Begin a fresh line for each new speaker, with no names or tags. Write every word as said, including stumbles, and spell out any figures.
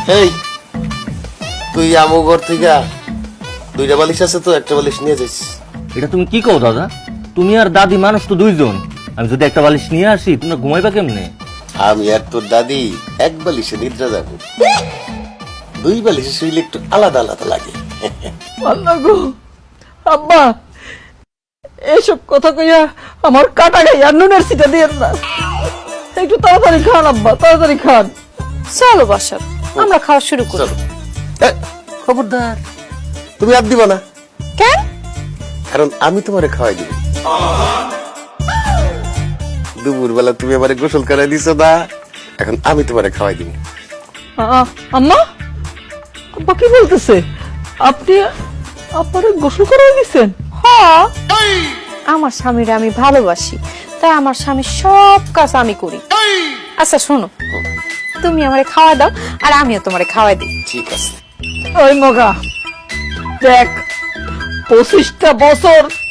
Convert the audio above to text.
এই তুই আমো ঘর থেকে দুইটা বালিশ আছে তো, একটা বালিশ নিয়ে যাইস।
এটা তুমি কি কও দাদা? তুমি আর দাদি মানুষ তো দুইজন, আমি যদি একটা বালিশ নিয়ে আসি তোমরা ঘুমাইবা কেমনে?
আমি আর তোর দাদি এক বালিশে নিদ্রা যাবো, দুই বালিশে শুইলে একটু আলাদা আলাদা লাগে।
আল্লাহ গো, আব্বা এইসব কথা কইয়া আমার কাটা গাইয়া নুনের সিটা দিয়ে না, একটু তাড়াতাড়ি খান আব্বা, তাড়াতাড়ি খান।
চলো বাসা, আমরা খাওয়া শুরু করি।
চলো। এ, খবরদার তুমি আর দিবা না,
কেন?
কারণ আমি তোমারে খাওয়াই দিব। দুপুর বেলা তুমি আমারে গোসল করাই দিছো না, এখন আমি তোমারে খাওয়াই দিব।
আ- আম্মা, আব্বা কি বলতেছে? আপনি আপনারে গোসল করে দিছেন?
হ, আমার স্বামীরে আমি ভালোবাসি, তাই আমার স্বামীর সব কাজ আমি করি। আচ্ছা শোনো, তুমি আমারে খাওয়া দাও আর আমিও তোমারে খাওয়াই দিই।
ঠিক আছে।
ওই মগা দেখ, পঁচিশটা বছর